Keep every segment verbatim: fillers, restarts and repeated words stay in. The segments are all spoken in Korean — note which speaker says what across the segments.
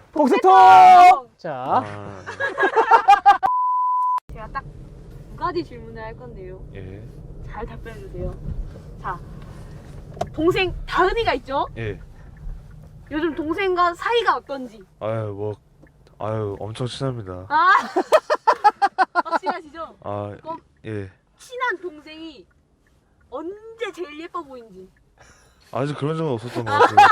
Speaker 1: 복수통! 자,
Speaker 2: 아,
Speaker 3: 제가 딱 두 가지 질문을 할 건데요.
Speaker 2: 예.
Speaker 3: 잘 답변해 주세요. 자, 동생 다은이가 있죠?
Speaker 2: 예.
Speaker 3: 요즘 동생과 사이가 어떤지.
Speaker 2: 아유, 뭐, 아유, 엄청 친합니다.
Speaker 3: 아, 확실하시죠?
Speaker 2: 아,
Speaker 3: 그럼
Speaker 2: 예.
Speaker 3: 친한 동생이 언제 제일 예뻐 보이는지.
Speaker 2: 아직 그런 적은 없었던 것 같아요.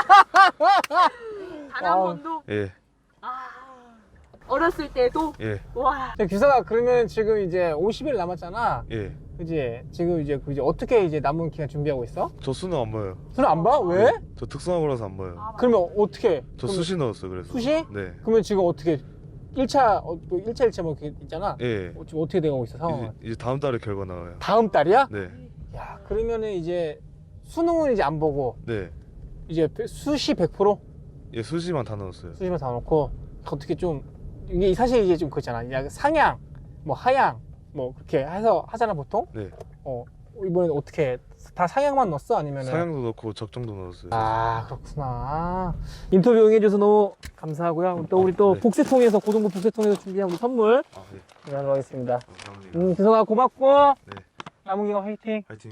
Speaker 3: 단 한
Speaker 1: 아.
Speaker 3: 번도.
Speaker 2: 예,
Speaker 3: 아, 어렸을 때도.
Speaker 2: 예,
Speaker 3: 와.
Speaker 1: 자, 규사가 그러면 지금 이제 오십 일 남았잖아.
Speaker 2: 예.
Speaker 1: 그지? 지금 이제 그 이제 어떻게 이제 남은 기간 준비하고 있어?
Speaker 2: 저 수능 안 봐요.
Speaker 1: 수능 안 봐? 왜?
Speaker 2: 저 특성화고라서 안 봐요.
Speaker 3: 아,
Speaker 1: 그러면 어떻게?
Speaker 2: 저
Speaker 1: 그럼
Speaker 2: 수시 넣었어요, 그래서.
Speaker 1: 수시?
Speaker 2: 네.
Speaker 1: 그러면 지금 어떻게 일 차, 어, 또 일 차, 일 차 뭐 이렇게 있잖아.
Speaker 2: 예.
Speaker 1: 어, 지금 어떻게 돼가고 있어, 상황은?
Speaker 2: 이제, 이제 다음 달에 결과 나와요.
Speaker 1: 다음 달이야?
Speaker 2: 네,
Speaker 1: 야, 그러면은 이제 수능은 이제 안 보고
Speaker 2: 네.
Speaker 1: 이제 수시 백 퍼센트?
Speaker 2: 예, 수시만 다 넣었어요.
Speaker 1: 수시만 다 놓고 어떻게 좀 이게 사실 이게 좀 그렇잖아. 야, 상향, 뭐 하향, 뭐 그렇게 해서 하잖아 보통.
Speaker 2: 네.
Speaker 1: 어 이번엔 어떻게 다 상향만 넣었어 아니면은?
Speaker 2: 상향도 넣고 적정도 넣었어요.
Speaker 1: 아 그렇구나. 인터뷰 응해줘서 너무 감사하고요. 또 우리 또
Speaker 2: 네.
Speaker 1: 복세통에서 고등부 복세통에서 준비한 우리 선물
Speaker 2: 아, 예.
Speaker 1: 드리도록 하겠습니다.
Speaker 2: 감사합니다.
Speaker 1: 음 규성아 고맙고
Speaker 2: 네.
Speaker 1: 남은 기간 화이팅.
Speaker 2: 파이팅.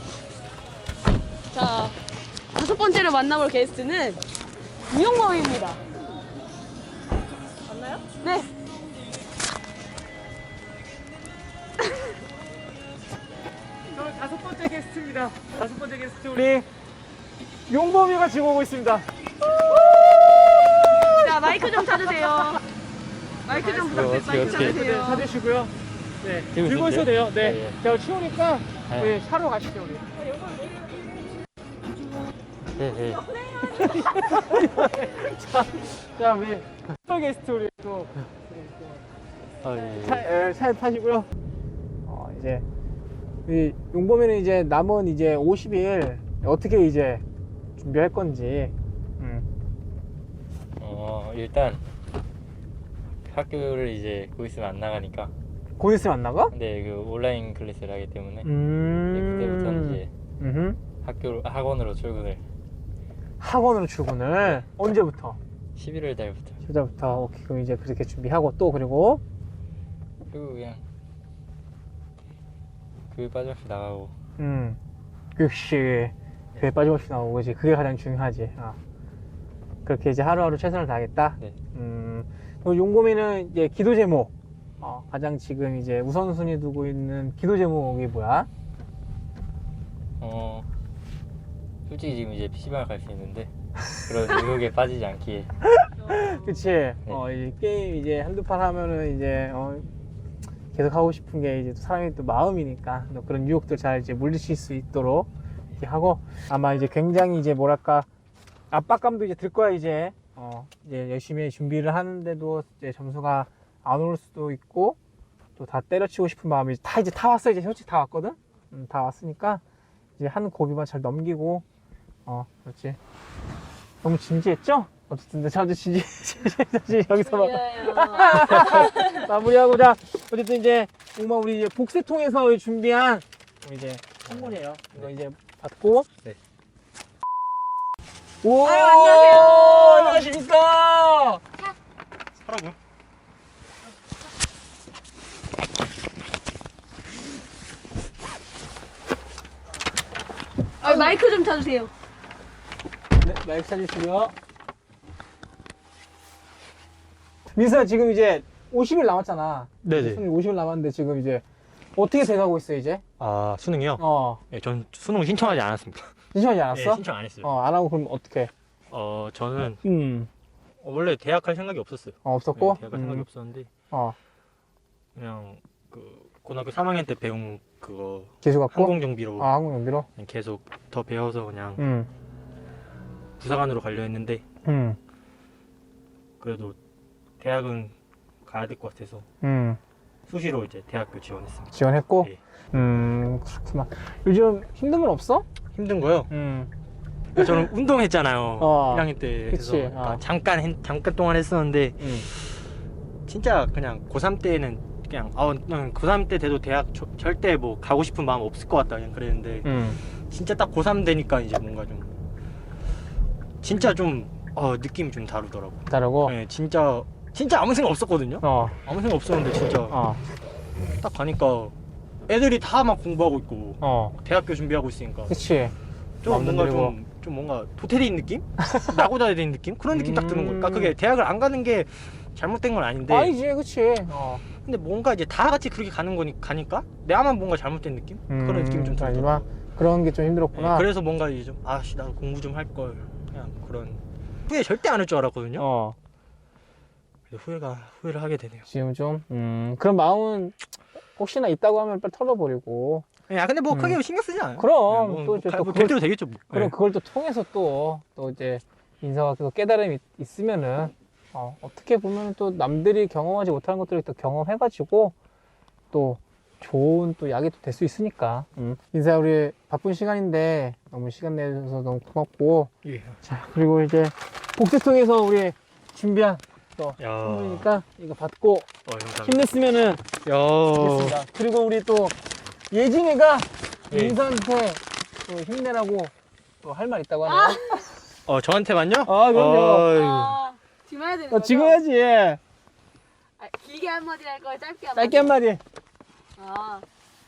Speaker 3: 자, 다섯 번째로 만나볼 게스트는 이용범입니다. 맞나요? 네.
Speaker 1: 저는 다섯 번째 게스트입니다. 다섯 번째 게스트 우리 용범이가 지금 오고 있습니다.
Speaker 3: 자, 마이크 좀 찾으세요. 마이크 좀 부탁드려요. 마이크
Speaker 1: 네,
Speaker 3: 찾으세요.
Speaker 1: 찾으시고요. 네, 들고 있어도 돼요. 네, 제가 치우니까 우리 샤로 가시죠 우리.
Speaker 4: 네,
Speaker 1: 자, 자 우리 스페 게스트 우리 또
Speaker 4: 아, 예.
Speaker 1: 차, 에, 차에 타시고요. 어, 이제 이 용범이는 이제 남은 이제 오십 일 어떻게 이제 준비할 건지. 음.
Speaker 4: 어, 일단 학교를 이제 곧 있으면 안 나가니까.
Speaker 1: 곧 있으면 안 나가?
Speaker 4: 근데 그 온라인 클래스를 하기 때문에
Speaker 1: 음.
Speaker 4: 네, 그때부터는 이제
Speaker 1: 음흠.
Speaker 4: 학교 학원으로 출근을
Speaker 1: 학원으로 출근을 언제부터?
Speaker 4: 십일월 달부터.
Speaker 1: 휴자부터 오케이 그럼 이제 그렇게 준비하고 또 그리고
Speaker 4: 그리고 그냥 교회 빠짐없이 나가고.
Speaker 1: 음 역시 교회 빠짐없이 나오고 그지 그게 가장 중요하지. 어. 그렇게 이제 하루하루 최선을 다하겠다.
Speaker 4: 네.
Speaker 1: 음 그리고 용범이는 이제 기도 제목 어, 가장 지금 이제 우선순위 두고 있는 기도 제목이 뭐야?
Speaker 4: 어, 솔직히 지금 이제 피시방 갈 수 있는데 그런 의욕에 빠지지 않기에.
Speaker 1: 그치? 어, 이 게임 이제 한두 판 하면은 이제, 어, 계속 하고 싶은 게 이제 또 사람이 또 마음이니까 또 그런 유혹들 잘 이제 물리칠 수 있도록 이렇게 하고 아마 이제 굉장히 이제 뭐랄까 압박감도 이제 들 거야 이제. 어, 이제 열심히 준비를 하는데도 이제 점수가 안 올 수도 있고 또 다 때려치고 싶은 마음이 다 이제 다 왔어. 이제 솔직히 다 왔거든? 음, 다 왔으니까 이제 한 고비만 잘 넘기고 어, 그렇지. 너무 진지했죠? 어쨌든 저도 진지, 진지 여기서 막 마무리하고 자 어쨌든 이제 정말 우리 이제 복세통에서 준비한 우리 이제 선물이에요. 이거 이제 받고.
Speaker 4: 네.
Speaker 1: 오,
Speaker 3: 아유, 안녕하세요.
Speaker 1: 안녕하십니까?
Speaker 4: 하라고요?
Speaker 3: 아, 마이크 좀 찾으세요.
Speaker 1: 네, 마이크 찾으시고요. 민수야 지금 이제 오십 일 남았잖아.
Speaker 5: 네네.
Speaker 1: 수능 오십 일 남았는데 지금 이제 어떻게 돼가고 있어 이제?
Speaker 5: 아, 수능이요?
Speaker 1: 어,
Speaker 5: 예, 전 수능 신청하지 않았습니다.
Speaker 1: 신청하지
Speaker 5: 예,
Speaker 1: 않았어?
Speaker 5: 신청 안 했어요.
Speaker 1: 어, 안 하고 그럼 어떻게?
Speaker 5: 어, 저는
Speaker 1: 음,
Speaker 5: 원래 대학 할 생각이 없었어요.
Speaker 1: 어, 없었고.
Speaker 5: 네, 대학 할 생각이
Speaker 1: 음,
Speaker 5: 없었는데
Speaker 1: 어,
Speaker 5: 그냥 그 고등학교 삼 학년 때 배운 그거
Speaker 1: 기수 갖고.
Speaker 5: 항공정비로
Speaker 1: 아, 한국 연비로.
Speaker 5: 그냥 계속 더 배워서 그냥
Speaker 1: 음,
Speaker 5: 부사관으로 가려 했는데
Speaker 1: 음,
Speaker 5: 그래도 대학은 가야 될 것 같아서
Speaker 1: 음.
Speaker 5: 수시로 이제 대학교 지원했습니다.
Speaker 1: 지원했고.
Speaker 5: 예.
Speaker 1: 음, 그렇구나. 요즘 힘든 건 없어?
Speaker 5: 힘든 거요?
Speaker 1: 음,
Speaker 5: 저는 운동했잖아요.
Speaker 1: 어,
Speaker 5: 일 학년 때.
Speaker 1: 그치,
Speaker 5: 그래서 약간
Speaker 1: 어.
Speaker 5: 잠깐 했- 잠깐 동안 했었는데
Speaker 1: 음.
Speaker 5: 진짜 그냥 고삼 때는 그냥 아, 난 고삼 때 돼도 대학 저- 절대 뭐 가고 싶은 마음 없을 것 같다 그냥 그랬는데
Speaker 1: 음,
Speaker 5: 진짜 딱 고삼 되니까 이제 뭔가 좀 진짜 좀 어 느낌이 좀 다르더라고.
Speaker 1: 다르고.
Speaker 5: 네, 진짜 진짜 아무 생각 없었거든요.
Speaker 1: 어.
Speaker 5: 아무 생각 없었는데 진짜
Speaker 1: 어.
Speaker 5: 딱 가니까 애들이 다 막 공부하고 있고
Speaker 1: 어.
Speaker 5: 대학교 준비하고 있으니까
Speaker 1: 그치.
Speaker 5: 좀
Speaker 1: 마음도
Speaker 5: 뭔가
Speaker 1: 들고.
Speaker 5: 좀, 좀 뭔가 도태되는 느낌? 나고 자야 되는 느낌? 그런 느낌 딱 드는 거야. 그러니까
Speaker 1: 음.
Speaker 5: 그게 대학을 안 가는 게 잘못된 건 아닌데
Speaker 1: 아니지, 그치. 어.
Speaker 5: 근데 뭔가 이제 다 같이 그렇게 가는 거니 가니까 내가만 뭔가 잘못된 느낌? 그런 느낌이 좀
Speaker 1: 하지만
Speaker 5: 들더라고.
Speaker 1: 그런 게 좀 힘들었구나.
Speaker 5: 네, 그래서 뭔가 이제 좀 아씨 나도 공부 좀 할 걸 그냥 그런 후회 절대 안 할 줄 알았거든요.
Speaker 1: 어.
Speaker 5: 그래서 후회가 후회를 하게 되네요.
Speaker 1: 지금 좀, 음, 그런 마음은 혹시나 있다고 하면 빨리 털어버리고.
Speaker 5: 야 근데 뭐
Speaker 1: 음.
Speaker 5: 크게 신경 쓰지 않아요.
Speaker 1: 그럼,
Speaker 5: 네, 뭐,
Speaker 1: 또 이제
Speaker 5: 뭐,
Speaker 1: 또
Speaker 5: 뭐
Speaker 1: 그걸-
Speaker 5: 될 대로 되겠죠. 뭐.
Speaker 1: 그럼
Speaker 5: 네.
Speaker 1: 그걸 또 통해서 또, 또 이제 인사가 계속 깨달음이 있- 있으면은, 어, 어떻게 보면 또 남들이 경험하지 못하는 것들을 또 경험해가지고 또 좋은 또 약이 또 될 수 있으니까. 음. 인사 우리 바쁜 시간인데 너무 시간 내줘서 너무 고맙고.
Speaker 5: 예.
Speaker 1: 자, 그리고 이제 복제통에서 우리 준비한 또
Speaker 5: 야.
Speaker 1: 선물이니까 이거 받고
Speaker 5: 어, 감사합니다.
Speaker 1: 힘냈으면은
Speaker 5: 야.
Speaker 1: 좋겠습니다. 그리고 우리 또 예진이가
Speaker 5: 예.
Speaker 1: 인사한테 또 힘내라고 또 할 말 있다고 하네요.
Speaker 5: 어 저한테만요?
Speaker 1: 아, 그럼요.
Speaker 5: 어이.
Speaker 3: 아, 지금 해야 되는
Speaker 1: 어,
Speaker 3: 거죠?
Speaker 1: 지금 해야지.
Speaker 3: 아, 길게 한마디 할 거예요? 짧게 한마디?
Speaker 1: 짧게 한마디.
Speaker 3: 아.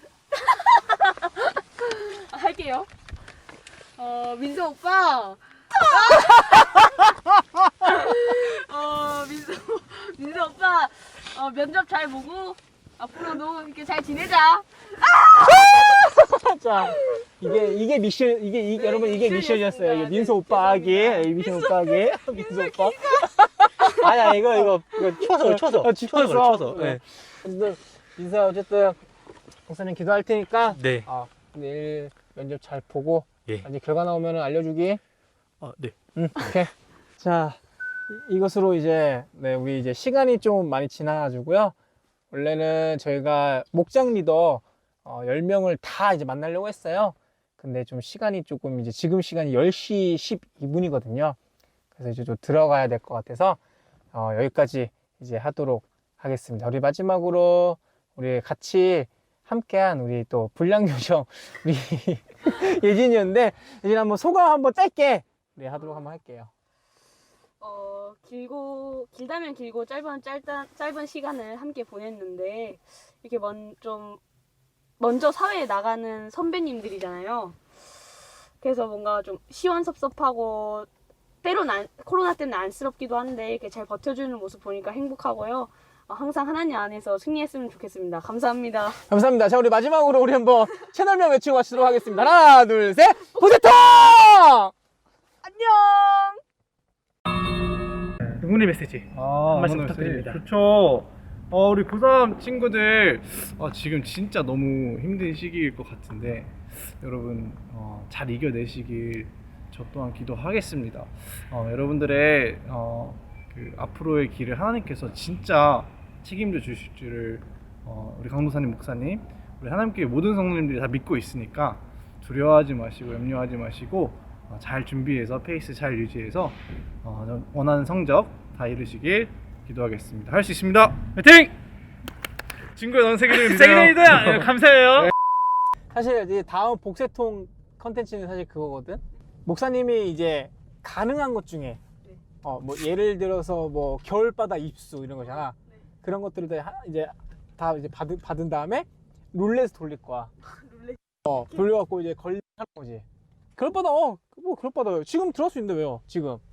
Speaker 3: 아, 할게요. 어, 민서 오빠. 어, 민서, 민서 오빠. 어, 면접 잘 보고 앞으로도 이렇게 잘 지내자.
Speaker 1: 자, 이게 이게 미션 이게 이,
Speaker 3: 네,
Speaker 1: 여러분 이게
Speaker 3: 미션이었습니다.
Speaker 1: 미션이었어요. 이게
Speaker 3: 네,
Speaker 1: 민서 오빠 하기,
Speaker 3: 죄송합니다.
Speaker 1: 이 민서 오빠 하기, 민서 오빠. 아니야 이거 이거 이거
Speaker 5: 쳐서 쳐서
Speaker 1: 어,
Speaker 5: 쳐서
Speaker 1: 쳐서.
Speaker 5: 쳐서.
Speaker 1: 네.
Speaker 5: 네.
Speaker 1: 어쨌든 민서 어쨌든 목사님 기도할 테니까.
Speaker 5: 네.
Speaker 1: 아, 내일 면접 잘 보고
Speaker 5: 예.
Speaker 1: 이제 결과 나오면 알려주기.
Speaker 5: 어, 네.
Speaker 1: 응, 오케이. 자, 이, 이것으로 이제 네 우리 이제 시간이 좀 많이 지나가지고요. 원래는 저희가 목장 리더 어, 열 명을 다 이제 만나려고 했어요. 근데 좀 시간이 조금 이제 지금 시간이 열 시 십이 분이거든요. 그래서 이제 좀 들어가야 될 것 같아서 어, 여기까지 이제 하도록 하겠습니다. 우리 마지막으로 우리 같이 함께한 우리 또 불량요정 우리 예진이었는데 예진 한번 소감 한번 짧게 우리 하도록 한번 할게요.
Speaker 3: 어, 길고, 길다면 길고, 짧은, 짧다, 짧은 시간을 함께 보냈는데, 이렇게 먼, 좀, 먼저 사회에 나가는 선배님들이잖아요. 그래서 뭔가 좀 시원섭섭하고, 때론 안, 코로나 때문에 안쓰럽기도 한데, 이렇게 잘 버텨주는 모습 보니까 행복하고요. 어, 항상 하나님 안에서 승리했으면 좋겠습니다. 감사합니다.
Speaker 1: 감사합니다. 자, 우리 마지막으로 우리 한번 채널명 외치고 마치도록 하겠습니다. 하나, 둘, 셋, 보세통!
Speaker 3: 안녕!
Speaker 1: 응원의 메시지.
Speaker 6: 아,
Speaker 1: 한 말씀
Speaker 6: 오늘
Speaker 1: 부탁드립니다.
Speaker 6: 좋죠. 어, 우리 고삼 친구들 어, 지금 진짜 너무 힘든 시기일 것 같은데 여러분 어, 잘 이겨내시길 저 또한 기도하겠습니다. 어, 여러분들의 어, 그 앞으로의 길을 하나님께서 진짜 책임져 주실 줄을 어, 우리 강도사님 목사님 우리 하나님께 모든 성도님들이 다 믿고 있으니까 두려워하지 마시고 염려하지 마시고 어, 잘 준비해서 페이스 잘 유지해서 어, 원하는 성적 다 이루시길 기도하겠습니다. 할 수 있습니다. 화이팅! 친구야, 넌 세계를 믿어요.
Speaker 1: 세계를 믿어요. 감사해요. 사실 이제 다음 복세통 컨텐츠는 사실 그거거든. 목사님이 이제 가능한 것 중에
Speaker 3: 네.
Speaker 1: 어 뭐 예를 들어서 뭐 겨울바다 입수 이런 거잖아.
Speaker 3: 네.
Speaker 1: 그런 것들을 다 하- 이제 다 이제 받은 받은 다음에 룰렛 돌릴 거야.
Speaker 3: 룰렛.
Speaker 1: 어 돌려갖고 이제 걸리는 거지. 겨울바다 어뭐 겨울바다 지금 들어갈 수 있는데 왜요? 지금